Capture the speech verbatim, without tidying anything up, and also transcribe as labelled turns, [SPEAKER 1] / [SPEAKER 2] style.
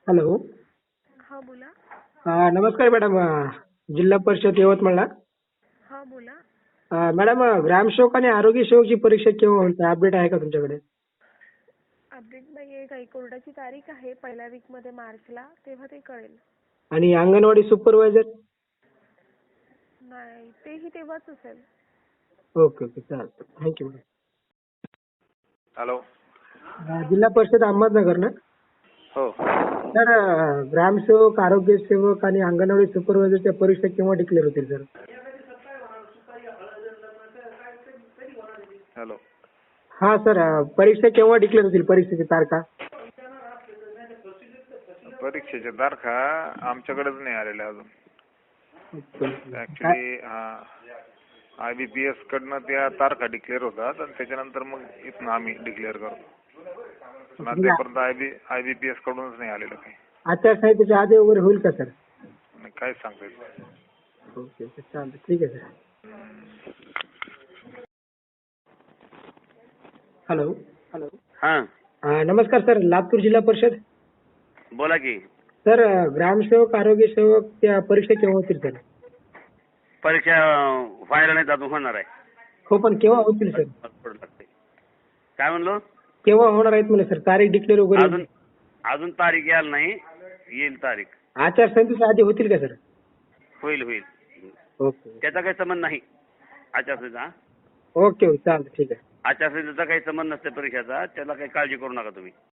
[SPEAKER 1] Hello.
[SPEAKER 2] हा बोला.
[SPEAKER 1] अ, नमस्कार मॅडम. अ, जिल्हा परिषद यवतमाळला.
[SPEAKER 2] हा बोला.
[SPEAKER 1] अ, मॅडम, अ, ग्रामसेवक आणि आरोग्य सेवकची परीक्षा केव्हा होईल? अपडेट आहे का तुमच्याकडे?
[SPEAKER 2] अपडेट नाहीये काही. कोर्टाची तारीख आहे पहिल्या वीक मध्ये मार्चला, तेव्हा ते कळेल.
[SPEAKER 1] आणि अंगणवाडी सुपरवायझर?
[SPEAKER 2] नाही, तेही तेव्हाच असेल.
[SPEAKER 1] ओके ओके, चालतं. Thank you madam.
[SPEAKER 3] हॅलो.
[SPEAKER 1] अ, जिल्हा परिषद अहमदनगर ना?
[SPEAKER 3] हो.
[SPEAKER 1] सर, अ, ग्रामसेवक, आरोग्य सेवक आणि अंगणवाडी सुपरवायझरच्या परीक्षा केव्हा डिक्लेअर होतील सर?
[SPEAKER 3] हॅलो.
[SPEAKER 1] हा सर, अ, परीक्षा केव्हा डिक्लेअर होतील? परीक्षेची तारखा?
[SPEAKER 3] परीक्षेच्या तारखा आमच्याकडेच नाही आलेल्या अजून.
[SPEAKER 1] Okay, okay.
[SPEAKER 3] ऍक्च्युली हा आय बी पी एस कडनं त्या तारखा डिक्लेअर होतात आणि त्याच्यानंतर मग इथनं आम्ही डिक्लेअर करतो. पण अद्यापर्यंत I B I B P S कडूनच नाही आलेलं काही.
[SPEAKER 1] आचारसंहितेच्या आधी वगैरे होईल का सर?
[SPEAKER 3] नाही, काहीच सांगता येत नाही.
[SPEAKER 1] ओके ओके, चालतं. ठीक आहे सर. हॅलो.
[SPEAKER 4] हॅलो. हा,
[SPEAKER 1] अ, नमस्कार सर, लातूर जिल्हा परिषद.
[SPEAKER 4] बोला की.
[SPEAKER 1] सर, अ, ग्रामसेवक, आरोग्य सेवक त्या परीक्षा केव्हा होतील सर?
[SPEAKER 4] परीक्षा व्हायला नाही अजून, होणार आहे.
[SPEAKER 1] हो, पण केव्हा होतील सर?
[SPEAKER 4] थोडं लागतंय. काय म्हणलो?
[SPEAKER 1] केव्हा होणार आहेत म्हणे सर? तारीख डिक्लेअर वगैरे?
[SPEAKER 4] अजून अजून तारीख यायला नाही, येईल तारीख.
[SPEAKER 1] आचारसंहितेच्या आधी होतील का सर?
[SPEAKER 4] होईल होईल.
[SPEAKER 1] ओके
[SPEAKER 4] त्याचा काही संबंध नाही आचारसंहिता.
[SPEAKER 1] ओके ओके, चालतं. ठीक आहे.
[SPEAKER 4] आचारसंहितेचा काही संबंध नसते परीक्षेचा, त्याला काही काळजी करू नका तुम्ही.